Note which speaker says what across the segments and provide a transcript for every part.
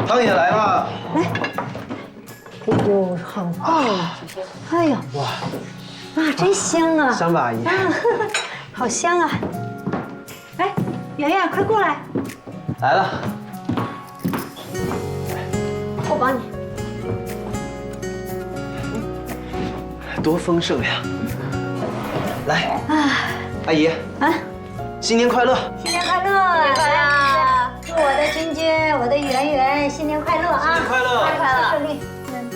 Speaker 1: 汤也来了。
Speaker 2: 来，哎呦，好棒啊！哎呦，
Speaker 1: 哇，
Speaker 2: 啊，真香啊！
Speaker 1: 香吧，阿姨？
Speaker 2: 啊，好香啊！哎，圆圆，快过来，
Speaker 1: 来了。
Speaker 2: 我帮你。
Speaker 1: 多丰盛呀！来，
Speaker 2: 啊，
Speaker 1: 阿姨，
Speaker 2: 啊，
Speaker 1: 新年快乐！
Speaker 2: 新年快乐！来，祝我的君君，我的圆圆新年快乐啊！
Speaker 1: 新年快乐！
Speaker 2: 快乐，顺利。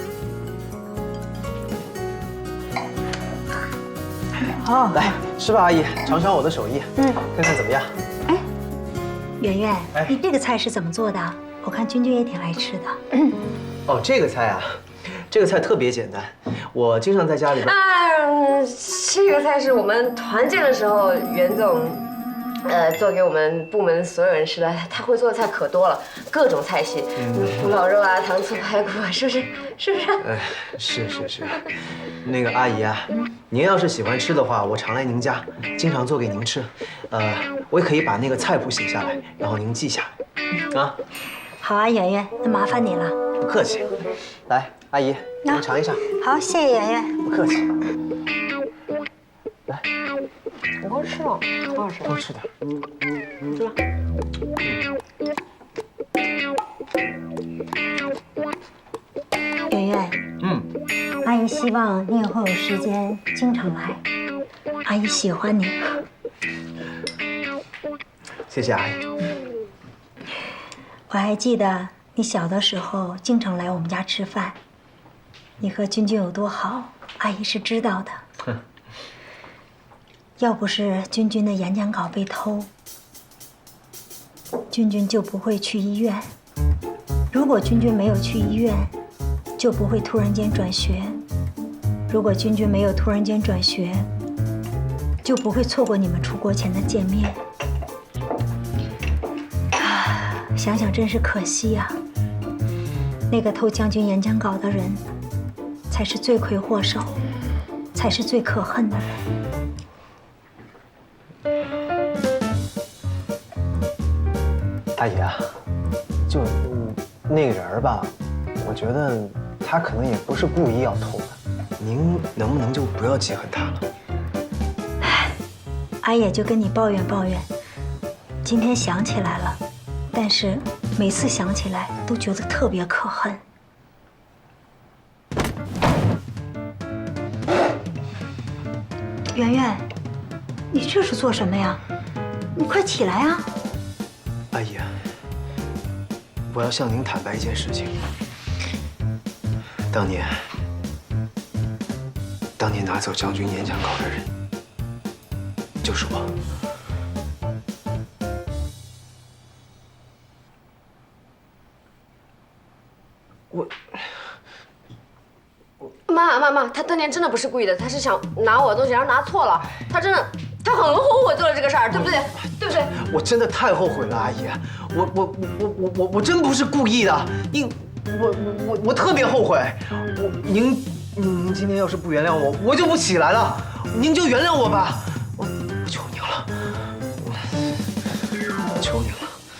Speaker 2: 好，
Speaker 1: 来吃吧，阿姨，尝尝我的手艺，看看怎么样？
Speaker 2: 哎，圆圆，
Speaker 1: 哎
Speaker 2: 你这个菜是怎么做的？我看君君也挺爱吃的。
Speaker 1: 哦，这个菜啊，这个菜特别简单，我经常在家里边。
Speaker 3: 这个菜是我们团建的时候袁总，做给我们部门所有人吃的。他会做的菜可多了，各种菜系，古老肉啊，糖醋排骨啊，是不是？是不是？
Speaker 1: 是，那个阿姨啊，您要是喜欢吃的话，我常来您家，经常做给您吃。我也可以把那个菜谱写下来，然后您记下来。啊，
Speaker 2: 好啊，圆圆，那麻烦你了。
Speaker 1: 不客气。来，阿姨，您尝一下。
Speaker 2: 好，谢谢圆圆。
Speaker 1: 不客气。来，
Speaker 3: 你多吃了，挺好吃的。
Speaker 1: 多吃点。
Speaker 3: 吃吧。
Speaker 2: 圆圆，阿姨希望你以后有时间经常来，阿姨喜欢你。
Speaker 1: 谢谢阿姨。
Speaker 2: 我还记得你小的时候经常来我们家吃饭，你和君君有多好，阿姨是知道的。要不是君君的演讲稿被偷，君君就不会去医院。如果君君没有去医院，就不会突然间转学。如果君君没有突然间转学，就不会错过你们出国前的见面。想想真是可惜呀。那个偷将军演讲稿的人，才是罪魁祸首，才是最可恨的人。
Speaker 1: 阿姨啊，就那个人吧，我觉得他可能也不是故意要偷的，您能不能就不要记恨他了？
Speaker 2: 阿也就跟你抱怨抱怨，今天想起来了，但是每次想起来都觉得特别可恨。圆圆，你这是做什么呀？你快起来啊！
Speaker 1: 阿姨，我要向您坦白一件事情。当年拿走将军演讲稿的人，就是我。
Speaker 3: 妈，他当年真的不是故意的，他是想拿我的东西，然后拿错了。他很后悔做了这个事儿，对不对？对不对？
Speaker 1: 我真的太后悔了，阿姨，我真不是故意的，我特别后悔。您今天要是不原谅我，我就不起来了。您就原谅我吧，我求您了，我求您了。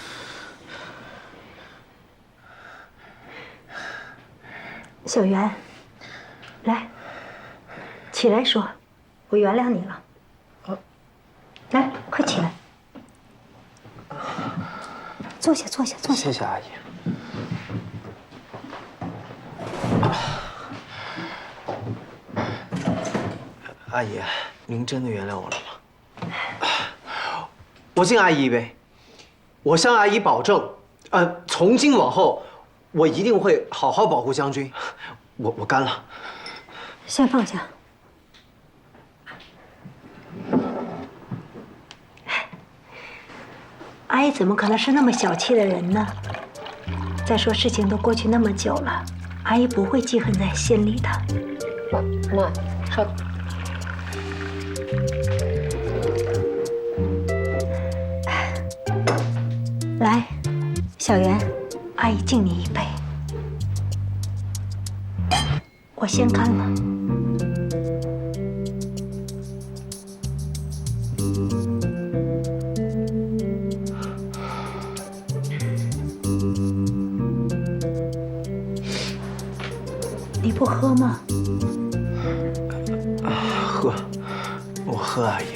Speaker 2: 小袁，来，起来说，我原谅你了。来，快起来，坐下。
Speaker 1: 谢谢阿姨。阿姨，您真的原谅我了吗？我敬阿姨一杯，我向阿姨保证，从今往后，我一定会好好保护将军。我干了。
Speaker 2: 先放下。阿姨怎么可能是那么小气的人呢？再说事情都过去那么久了，阿姨不会记恨在心里的。
Speaker 3: 妈，稍等。
Speaker 2: 来，小袁，阿姨敬你一杯。我先干了。 你不喝吗？
Speaker 1: 喝，我喝阿姨。